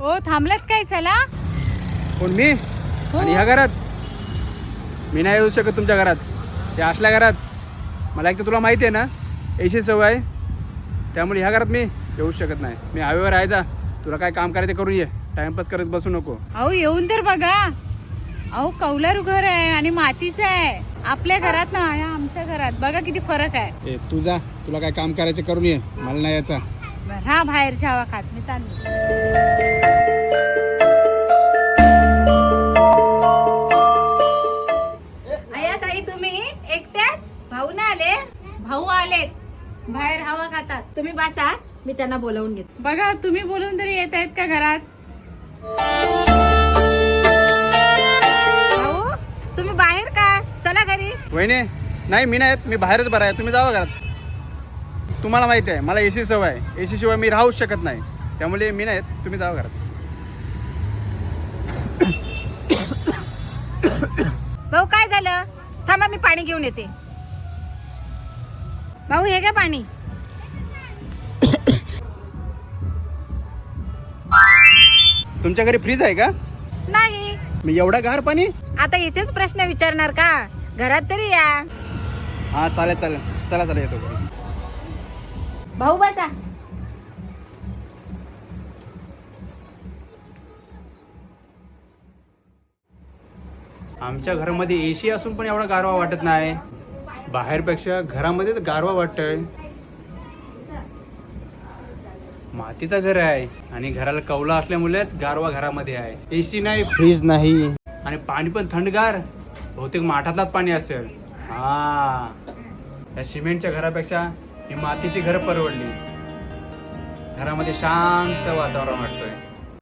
ओ थांबलात काय? चला. कोण मी? आणि ह्या घरात मी नाही येऊ शकत तुमच्या घरात. त्या असल्या घरात मला एक तर तुला माहिती आहे ना एसी सवय आहे, त्यामुळे ह्या घरात मी येऊ शकत नाही. मी हवेवर राहायचा. तुला काय काम करायचं करून ये, टाइमपास करत बसू नको. अहो येऊन तर बघा. अहो कौलारू घर आहे आणि मातीचं आहे. आपल्या घरात ना आणि आमच्या घरात बघा किती फरक आहे. ए तू जा, तुला काय काम करायचं करून ये, मला नाही यायचा. हा बाहेरच्या हवा खात मी चालली. आया ताई तुम्ही एकट्याच? भाऊ ना आले? भाऊ आलेत, बाहेर हवा खातात. तुम्ही बसा, मी त्यांना बोलावून घेते. बघा तुम्ही बोलून तरी येत आहेत का घरात? भाऊ तुम्ही बाहेर का? चला घरी. वहिनी नाही, मी नाही येत. मी बाहेरच बरा आहे, तुम्ही जावा घरात. तुम्हाला माहिती आहे मला एसी सवय आहे. एसी शिवाय मी राहूच शकत नाही, त्यामुळे मी नाही येत. तुम्ही जावा घरात. भाऊ काय झालं? थांबा मी पाणी घेऊन येते. भाऊ हे घ्या पाणी. तुमच्या घरी फ्रीज आहे का? नाही. मी एवढा गार पाणी? आता इथेच प्रश्न विचारणार का? घरात तरी या. हा चालेल चालेल, चला चला येतो घरी. भाऊ बसा. आमच्या घरामध्ये एसी असून पण एवढा गारवा वाटत नाही. बाहेरपेक्षा घरामध्ये तर गारवा वाटतोय. मातीचं घर आहे आणि घराला कौला असल्यामुळेच गारवा घरामध्ये आहे. एसी नाही, फ्रीज नाही आणि पाणी पण थंडगार. बहुतेक माठातलाच पाणी असेल. हा, या सिमेंटच्या घरापेक्षा ही मातीची घर परवडली. घरामध्ये शांत वातावरण वाटतोय.